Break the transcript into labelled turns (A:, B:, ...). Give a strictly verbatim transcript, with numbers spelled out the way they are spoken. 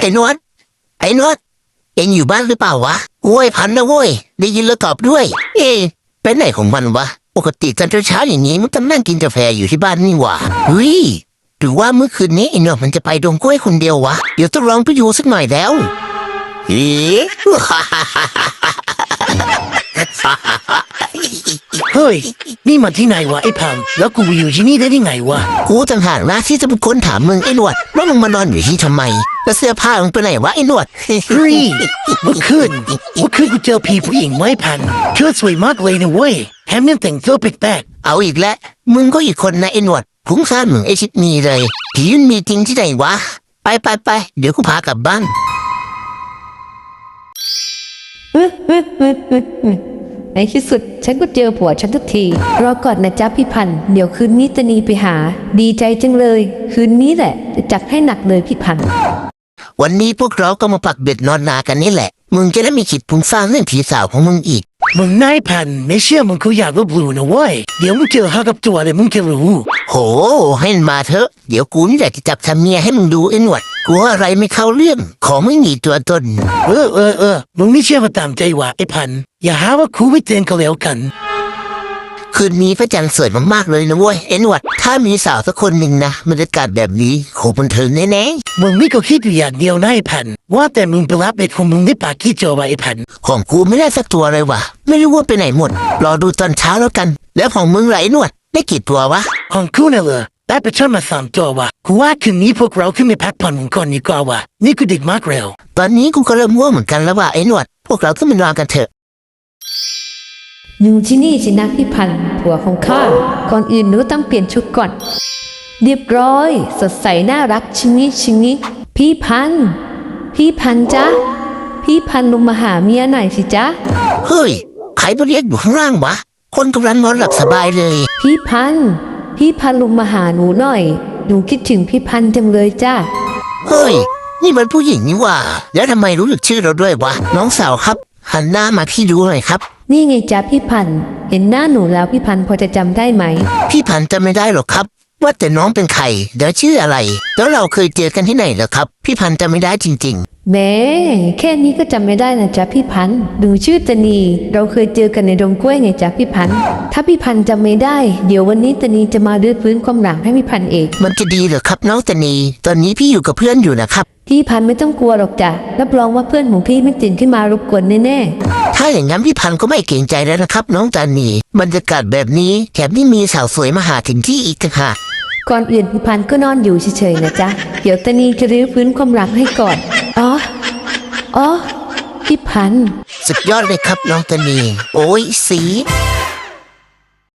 A: อ้นวดไอ้นวดเอ็งอยู่บ้านหรือเปล่าวะโว้ยพันนะโว้ยได้ยินแล้วตอบด้วยเอ๊ะไปไหนของมันวะปกติตอนเช้าๆอย่างนี้มันก็นั่งกินกาแฟอยู่ที่บ้านนี่หว่าเฮ้ยหรือว่าเมื่อคืนนี้ไอ้นวดมันจะไปดงกล้วยคนเดียววะเดี๋ยวต้องลองไปดูสักหน่อยแล้วเอ๊ะ
B: เฮ้ยนี่มันที่ไหนวะไอ้พังแล้วกูอยู่ที่นี่ได้ยังไงวะ
A: กูต่างหากนะที่จะเป็นคนถามมึงไอ้หนวดว่ามึงมานอนอยู่ที่ทำไมแล้วเสื้อผ้ามึงไปไหนวะไอ้หนวด
B: เฮ้ยเมื่อคืนเมื่อคืนกูเจอผีผู้หญิงไว้พันเธอสวยมากเลยนะเว้ยแถมยังแต่งตัวแปลก
A: ๆเอาอีกแล้วมึงก็อีกคนนะไอ้หนวดพุ่งซ่านมึงไอ้ชิดมีเลยผีมันมีจริงที่ไหนวะไปไปไปเดี๋ยวกูพากลับบ้าน
C: ในที่สุดฉันก็เจอผัวฉันทุกทีรอก่อนนะจ๊ะพี่พันธุ์เดี๋ยวคืนนี้ตะนีไปหาดีใจจังเลยคืนนี้แหละจะจัดให้หนักเลยพี่พันธุ์
A: วันนี้พวกเราก็มาปักเบ็ดนอนนากันนี่แหละมึงจะได้มีขิดพุงสร้างเรื่องผีสาวของมึงอีก
B: มึงนายพันไม่เชื่อมึงกูอยากลบหลู่นะเว้ยเดี๋ยวมึงเจอหากับตัวเลยมึงจะรู้
A: โหให้มันมาเถอะเดี๋ยวกูนี่แหละจะจับทำเมียให้มึงดูไอ้หนวดกูว่าอะไรไม่เข้าเรื่องของไม่มีตัวตน
B: เออเออเออมึงไม่เชื่อมาตามใจว่ะไอ้พันอย่าหาว่ากูไม่เตือนก็แล้วกัน
A: คืนนี้พระจันทร์สวยมากๆเลยนะเว้ยไอ้หนวดถ้ามีสาวสักคนหนึ่งนะบรรยากาศแบบนี้โคตรบันเทิงแน่
B: ๆมึงไม่ก็คิดอยู่อย่างเดียวนะไอ้พันว่าแต่มึงไปรับเบ็ดของมึงได้ปากขี้โจวะไอ้พัน
A: ของกูไม่ได้สักตัวเลยว่ะไม่รู้ว่าไปไหนหมดรอดูตอนเช้าแล้วกันแล้วของมึงไหลหนวดได้กี่ตัววะ
B: ของกูน่ะเหรอได้ไปชนมาสามตัววะกูว่าคืนนี้พวกเราขึ้นไปพักผ่อนกันก่อนดีกว่าวะนี่กูดึกมากเร็ว
A: ตอนนี้กูก็เริ่มง่วงเหมือนกันแล้วว่ะไอ้หนวดพวกเราขึ้นไปนอนกันเถอะ
C: อยู่ที่นี่สินะพี่พันธุ์ผัวของข้าก่อนอื่นหนูต้องเปลี่ยนชุดก่อนเรียบร้อยสดใสน่ารักชิงิชิงิพี่พันธุ์พี่พันธุ์จ๊ะพี่พันธุ์ลงมาหาเมียหน่อยสิจ๊ะ
A: เฮ้ยใครมาเรียกอยู่ข้างล่างวะคนกำลังนอนหลับสบายเลย
C: พี่พันธุ์พี่พันธุ์ลงมาหาหนูหน่อยหนูคิดถึงพี่พันธุ์จังเลยจ้ะ
A: เฮ้ยนี่มันผู้หญิงนี่ว่าแล้วทำไมรู้จักชื่อเราด้วยวะน้องสาวครับหันหน้ามาพี่ดูหน่อยครับ
C: นี่ไงจ๊ะพี่พันธุ์เห็นหน้าหนูแล้วพี่พันธุ์พอจะจำได้ไหม
A: พี่พันธุ์จำไม่ได้หรอกครับว่าแต่น้องเป็นใครเดี๋ยวชื่ออะไรแล้วเราเคยเจอกันที่ไหนเหรอครับพี่พันธุ์จำไม่ได้จริง
C: ๆแม่แค่นี้ก็จำไม่ได้นะจ๊ะพี่พันธุ์หนูชื่อตะนีเราเคยเจอกันในดงกล้วยไงจ๊ะพี่พันธุ์ถ้าพี่พันธุ์จำไม่ได้เดี๋ยววันนี้ตะนีจะมาดื้อฟื้นความหลังให้พี่พันธุ์เอง
A: มันจะดีเหรอครับน้องตะนีตอนนี้พี่อยู่กับเพื่อนอยู่นะครับ
C: พี่พันธุ์ไม่ต้องกลัวหรอกจ้ะรับรองว่าเพื่อนของพี่ไม่ตื่นขึ้นมารบกวนแน่
A: ๆถ้าอย่างนั้นพี่พันธุ์ก็ไม่เกรงใจแล้วนะครับน้องตานีบรรยากาศแบบนี้แถมที่มีสาวสวยมาหาถึงที่อีกต่างหาก
C: ก่อนอื่นพี่พันธุ์ก็นอนอยู่เฉยๆนะจ๊ะเดี๋ยวตานีจะรื้อฟื้นความรักให้ก่อนอ๋ออ๋อพี่พันธุ์
A: สุดยอดเลยครับน้องตานีโอ้ยสี